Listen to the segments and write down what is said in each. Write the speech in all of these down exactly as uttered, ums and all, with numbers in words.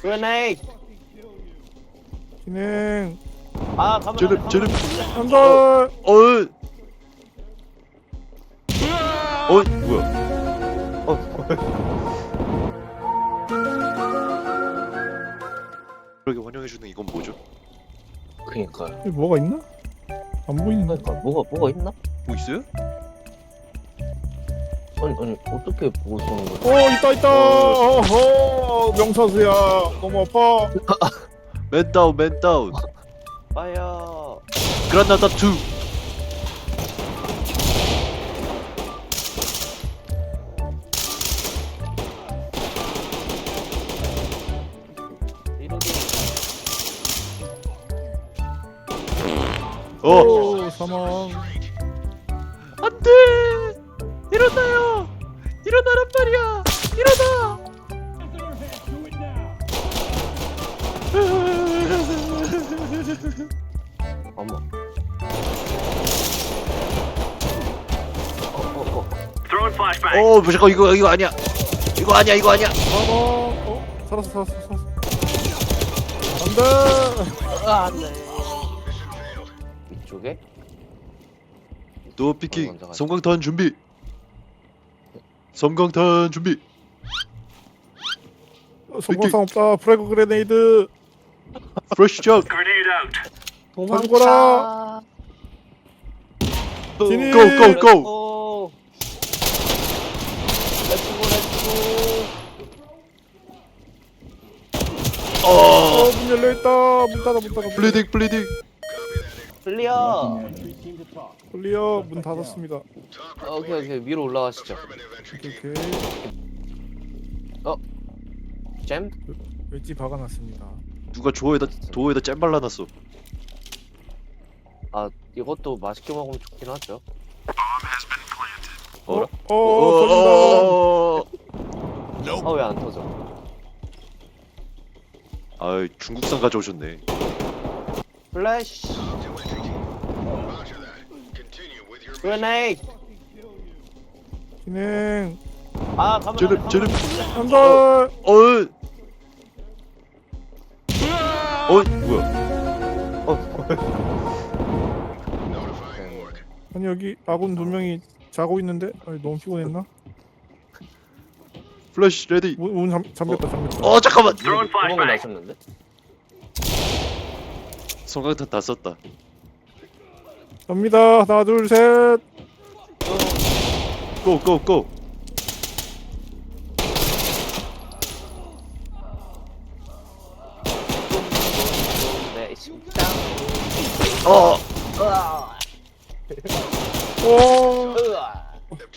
Grenade. 진행. 아, 가면 찌릅 안 돼, 찌릅. 가면 안 돼. 한달. 어. 어 뭐야? 어, 그렇게 환영해주는 이건 뭐죠? 그니까요. 여기 뭐가 있나? 안 보이는데. 그니까 뭐가 뭐가 있나? 뭐 있어요? 아니 아니 어떻게 보고 쏘는 거지? 어 있다 있다. 어허 명사수야. 너무 아파. 맨 다운 맨 다운. 파이어. 그라나다 투. 리로딩. 어. 오, 사망. 안돼. 일어나요. 일어나란 말이야. 일어나. 어머. 어어어. 어 잠깐 이거 이거 아니야. 이거 아니야 이거 아니야. 사망. 어 살았어 살았어 살았어. 안돼. 아 안돼. 이쪽에? 노 피킹. 먼저 가자. 섬광탄 준비. 섬광탄 준비. 성공상 없다. 프레그 그레네이드. 프레시 샷. 도망쳐라. 진입. 고, 고, 고. 고. 렛츠고 렛츠고. 어. 어, 문 열려 있다. 문 닫아, 문 닫아. 문 블리딩 블리딩. 클리어. 닫아. 클리어. 문 닫았습니다. 어, 오케이 오케이 위로 올라가시죠. 오케이, 오케이. 잼? 웨지 박아놨습니다. 누가 조에다 도에다 잼 발라놨어. 아 이것도 맛있게 먹으면 좋긴 하죠. 어, 어라? 어, 어, 어. 아 왜 안 터져? 아 중국산 가져오셨네. 플래시. Grenade. 진행. 아 가면 찌릅 안 돼, 찌릅. 가면 안 돼. 한달. 어. 어 뭐야? 어. 아니 여기 아군 두 명이 자고 있는데. 아니 너무 피곤했나? 플래시 레디. 문, 문 잠, 잠겼다, 잠겼다. 어 잠깐만. 구멍을 나셨는데? 성광탄 다 썼다. 갑니다. 하나, 둘, 셋. 고 고 고. 네 심장. 어. 으아. 오. 으아.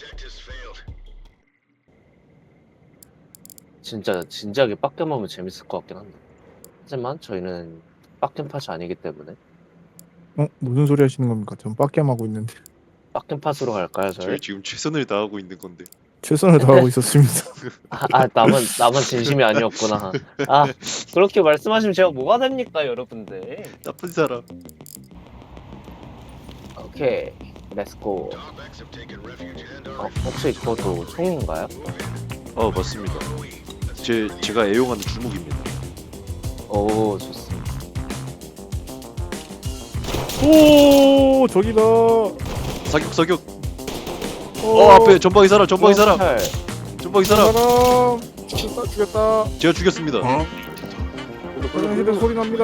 진짜 진지하게 빡겜 하면 재밌을 것 같긴 한데. 하지만 저희는 빡겜 팟이 아니기 때문에 어 무슨 소리 하시는 겁니까? 전 빡겜 하고 있는데. 빡겜 팟으로 갈까요 저희? 저희 지금 최선을 다하고 있는 건데. 최선을 다하고 있었습니다. 아, 아 나만 나만 진심이 아니었구나. 아 그렇게 말씀하시면 제가 뭐가 됩니까 여러분들? 나쁜 사람. 오케이 렛츠고. 어, 혹시 그것도 총인가요? 어 맞습니다. 제 제가 애용하는 주목입니다. 오 좋습니다. 오 저기다. 사격 사격. 어, 어 앞에 전방이 사람 전방이 사람 살. 전방이 사람. 사람. 죽였다, 죽였다. 제가 죽였습니다. 화장실에 소리 납니다.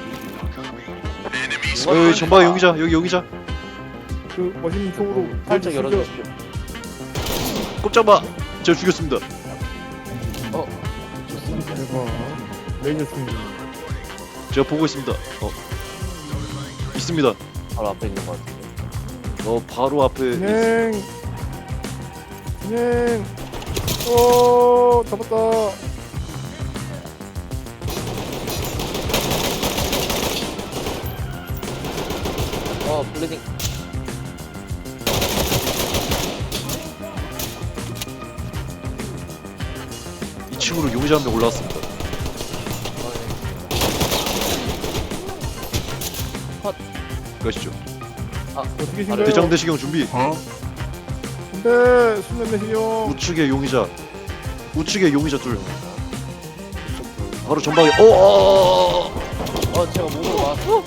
여기 전방에 용의자 여기 용의자. 그 멋있는 총으로 살짝 죽여. 열어주십시오. 꼼짝 마. 제가 죽였습니다. 어 대박. 레이저 총이. 제가 보고 있습니다. 어 있습니다. 바로 앞에 있는 것 같은데. 어 바로 앞에. 있... 진행. 진행. 오 잡았다. 어 블리딩. 이 층으로 용의자 한 명 올라왔습니다. 컷. 가시죠. 어떻게 아, 신가요? 대장 대시경 준비. 근데 수면 내시경. 우측에 용의자. 우측에 용의자 둘. 바로 전방에. 어, 어, 어, 어 제가 몸으로 맞았어.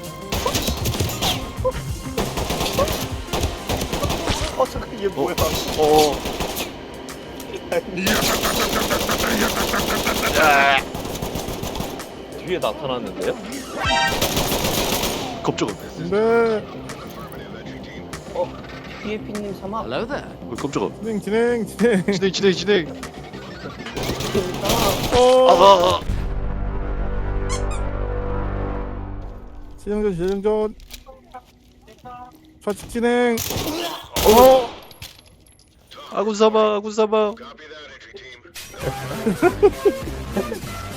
어 잠깐 이게 뭐야? 어. 뒤에 나타났는데요? 깜짝아. 근데 어 피에피님 사막. 어, 깜짝아. 진행 진행 진행. 진행 진행 진행. 아, 어. 아, 아. 진행전 진행전. 좌측 진행. 어. 아군 사망 아군 사망.